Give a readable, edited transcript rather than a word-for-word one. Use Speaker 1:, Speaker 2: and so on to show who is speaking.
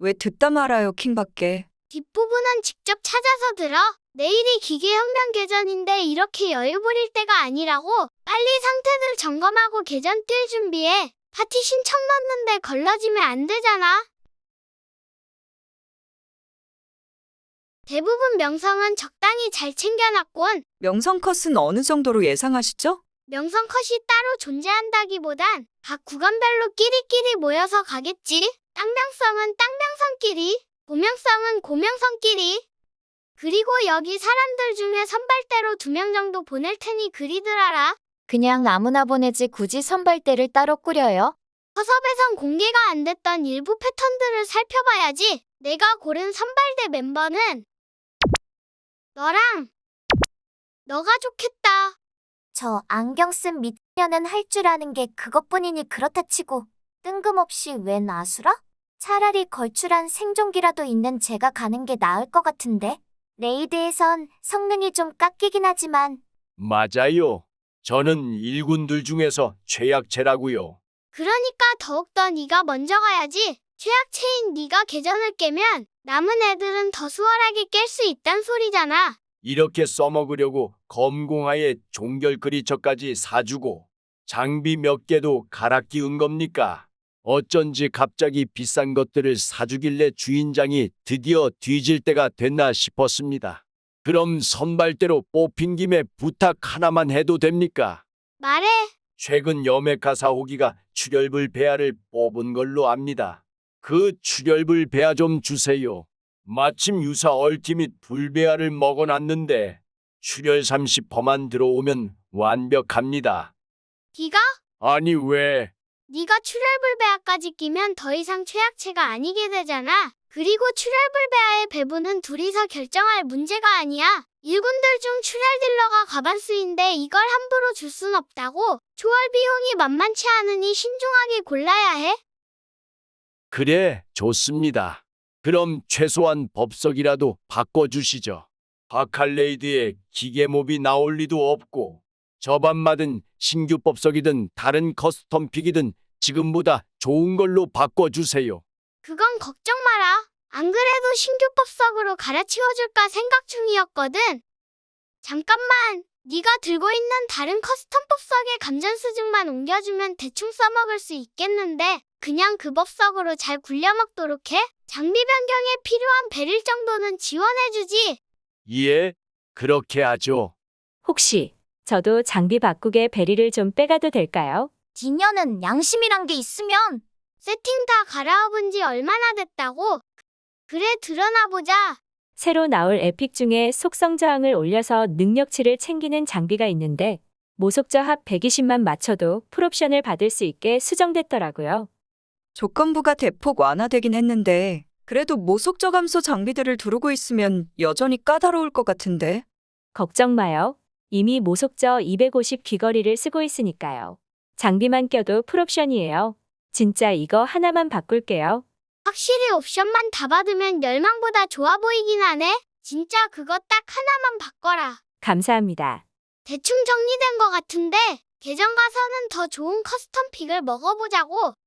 Speaker 1: 왜 듣다 말아요, 킹밖에.
Speaker 2: 뒷부분은 직접 찾아서 들어. 내일이 기계혁명 개전인데 이렇게 여유 부릴 때가 아니라고. 빨리 상태들 점검하고 개전 뛸 준비해. 파티 신청 넣는데 걸러지면 안 되잖아. 대부분 명성은 적당히 잘 챙겨놨곤.
Speaker 1: 명성 컷은 어느 정도로 예상하시죠?
Speaker 2: 명성 컷이 따로 존재한다기보단 각 구간별로 끼리끼리 모여서 가겠지. 땅명성은 땅명성끼리, 고명성은 고명성끼리. 그리고 여기 사람들 중에 선발대로 2명 정도 보낼 테니 그리들 알아.
Speaker 3: 그냥 아무나 보내지 굳이 선발대를 따로 꾸려요?
Speaker 2: 허섭에선 공개가 안 됐던 일부 패턴들을 살펴봐야지. 내가 고른 선발대 멤버는 너랑 너가 좋겠다.
Speaker 3: 저 안경 쓴 미녀는 할 줄 아는 게 그것뿐이니 그렇다 치고 뜬금없이 웬 아수라? 차라리 걸출한 생존기라도 있는 제가 가는 게 나을 것 같은데. 레이드에선 성능이 좀 깎이긴 하지만
Speaker 4: 맞아요. 저는 일군들 중에서 최약체라고요.
Speaker 2: 그러니까 더욱더 네가 먼저 가야지. 최악체인 네가 계전을 깨면 남은 애들은 더 수월하게 깰 수 있단 소리잖아.
Speaker 4: 이렇게 써먹으려고 검공하에 종결 그리처까지 사주고 장비 몇 개도 갈아 끼운 겁니까? 어쩐지 갑자기 비싼 것들을 사주길래 주인장이 드디어 뒤질 때가 됐나 싶었습니다. 그럼 선발대로 뽑힌 김에 부탁 하나만 해도 됩니까?
Speaker 2: 말해.
Speaker 4: 최근 여메카사 호기가 출혈불 배아를 뽑은 걸로 압니다. 그 출혈불 배아 좀 주세요. 마침 유사 얼티밋 불배아를 먹어놨는데 출혈 30%만 들어오면 완벽합니다.
Speaker 2: 네가?
Speaker 4: 아니 왜?
Speaker 2: 네가 출혈불배아까지 끼면 더 이상 최악체가 아니게 되잖아. 그리고 출혈불배아의 배분은 둘이서 결정할 문제가 아니야. 일군들 중 출혈 딜러가 과반수인데 이걸 함부로 줄 순 없다고. 조월 비용이 만만치 않으니 신중하게 골라야 해.
Speaker 4: 그래, 좋습니다. 그럼 최소한 법석이라도 바꿔주시죠. 바칼레이드에 기계몹이 나올 리도 없고 저반마든 신규 법석이든 다른 커스텀 픽이든 지금보다 좋은 걸로 바꿔주세요.
Speaker 2: 그건 걱정 마라. 안 그래도 신규 법석으로 갈아치워줄까 생각 중이었거든. 잠깐만. 네가 들고 있는 다른 커스텀 법석의 감전 수증만 옮겨주면 대충 써먹을 수 있겠는데 그냥 그 법석으로 잘 굴려먹도록 해. 장비 변경에 필요한 베릴 정도는 지원해주지.
Speaker 4: 예, 그렇게 하죠.
Speaker 5: 혹시 저도 장비 바꾸게 베리를 좀 빼가도 될까요?
Speaker 3: 디녀는 양심이란 게 있으면
Speaker 2: 세팅 다 갈아엎은 지 얼마나 됐다고? 그래 드러나 보자.
Speaker 5: 새로 나올 에픽 중에 속성 저항을 올려서 능력치를 챙기는 장비가 있는데 모속저 합 120만 맞춰도 풀옵션을 받을 수 있게 수정됐더라고요.
Speaker 1: 조건부가 대폭 완화되긴 했는데 그래도 모속저 감소 장비들을 두르고 있으면 여전히 까다로울 것 같은데.
Speaker 5: 걱정 마요. 이미 모속저 250 귀걸이를 쓰고 있으니까요. 장비만 껴도 풀옵션이에요. 진짜 이거 하나만 바꿀게요.
Speaker 2: 확실히 옵션만 다 받으면 열망보다 좋아 보이긴 하네. 진짜 그거 딱 하나만 바꿔라.
Speaker 5: 감사합니다.
Speaker 2: 대충 정리된 것 같은데 계정 가서는 더 좋은 커스텀 픽을 먹어보자고.